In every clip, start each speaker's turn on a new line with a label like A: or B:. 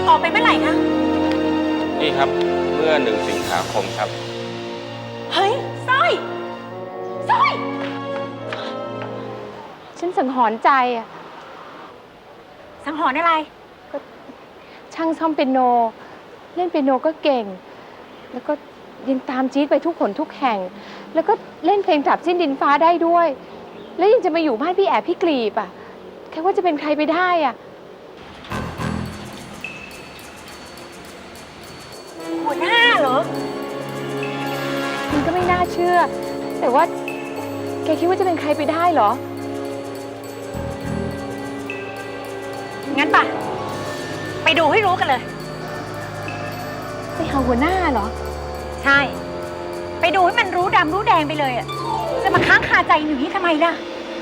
A: ออกไปเมื่อไหร่คะ
B: นี่ครับเมื่อ1 สิงหาคมครับ
A: เฮ้ยสร้อยสร้อย
C: ฉันสังหรณ์ใจอะ
A: สังหรณ์อะไร
C: ช่างซ่อมเปียโนเล่นเปียโนก็เก่งแล้วก็ยังตามจี๊ดไปทุกหนทุกแห่งแล้วก็เล่นเพลงกลับสิ้นดินฟ้าได้ด้วยแล้วยังจะมาอยู่บ้านพี่แอบพี่กลีบอะแค่ว่าจะเป็นใครไปได้อะ
A: หัวหน้าเหรอ
C: มันก็ไม่น่าเชื่อแต่ว่าแกคิดว่าจะเป็นใครไปได้เหรอ
A: งั้นป่ะไปดูให้รู้กันเลย
C: ไปหาหัวหน้าเหรอ
A: ใช่ไปดูให้มันรู้ดำรู้แดงไปเลยอ่ะจะมาค้างคาใจหนูนี่ทำไมล่ะ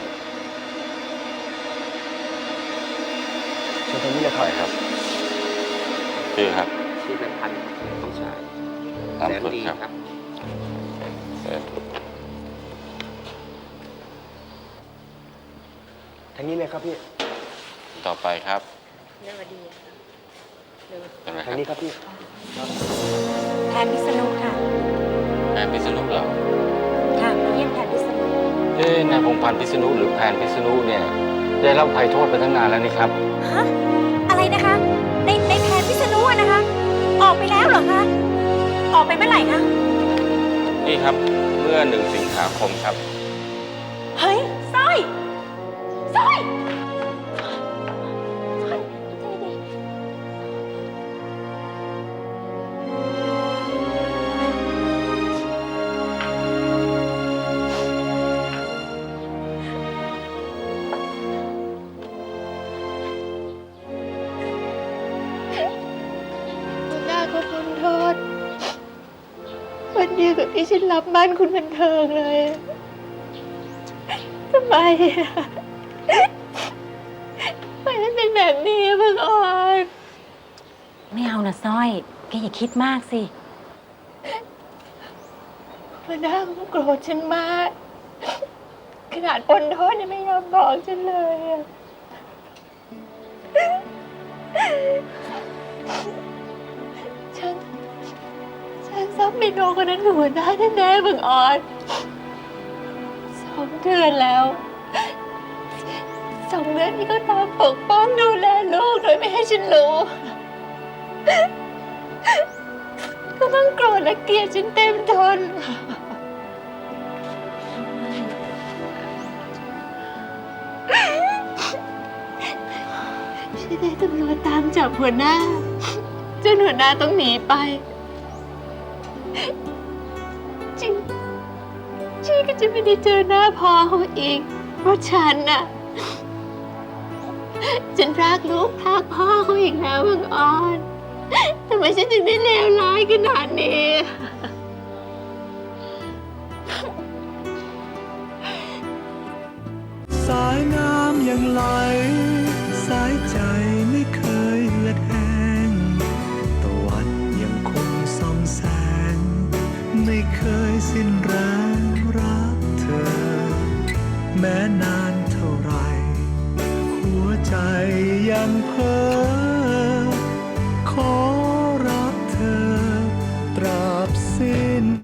B: เชิญตรงนี้เลยครับชื่อครับ
D: ชื่อเป็นพันธุ์ต้องชายแสนดีครับทางนี้เลยครับพี่
B: ต่อไปครับ
A: เรื่องดี
B: ค่ะ
D: ทางนี้ครับพี่
A: แทนพิษณุค่ะ
B: แพนพิษณุเหรอ
A: ค่ะมาเยี่ยมแทนพิษณุ
B: นายพงษ์พันธ์พิษณุหรือแพนพิษณุเนี่ยได้รับภัยโทษไปตั้งนานแล้วนี่ครับ
A: ฮะอะไรนะคะในแทนพิษณุนะคะ ออกไปแล้วเหรอคะออกไปเมื่อไหร่คะ
B: นี่ครับเมื่อ1 สิงหาคมครับ
A: เฮ้ยสร้อยสร้อย
C: ขอโทษวันเดียวกับที่ฉันรับบ้านคุณบันเทิงเลยทำไมมันเป็นแบบนี้บังออน
A: ไม่เอานะสร้อยแกอย่าคิดมากสิ
C: หัวหน้าเขาโกรธฉันมากขนาดปนโทษยังไม่ยอมบอกฉันเลยฉันซับเมโนคนนั้นหัวหน้าแน่ๆบังออน2 เดือนแล้ว2 เดือนที่เขาตามปกป้องดูแลลูกโดยไม่ให้ฉันรู้ก็ต้องโกรธและเกลียดฉันเต็มทนฉันได้ตำรวจตามจับหัวหน้าจนหัวหน้าต้องหนีไปชีก็จะไม่ได้เจอหน้าพ่อเขาอีกเพราะฉันรักลูกรักพ่อเขาอีกแล้วบังออนทำไมฉันถึงได้เลวร้ายขนาดนี้
E: สายน้ำยังไหลสายใจไม่เคยเหือดแห้งตะวันยังคงส่องแสงไม่เคยสิ้นแรงรักเธอแม้นานเท่าไรหัวใจยังเพ้อ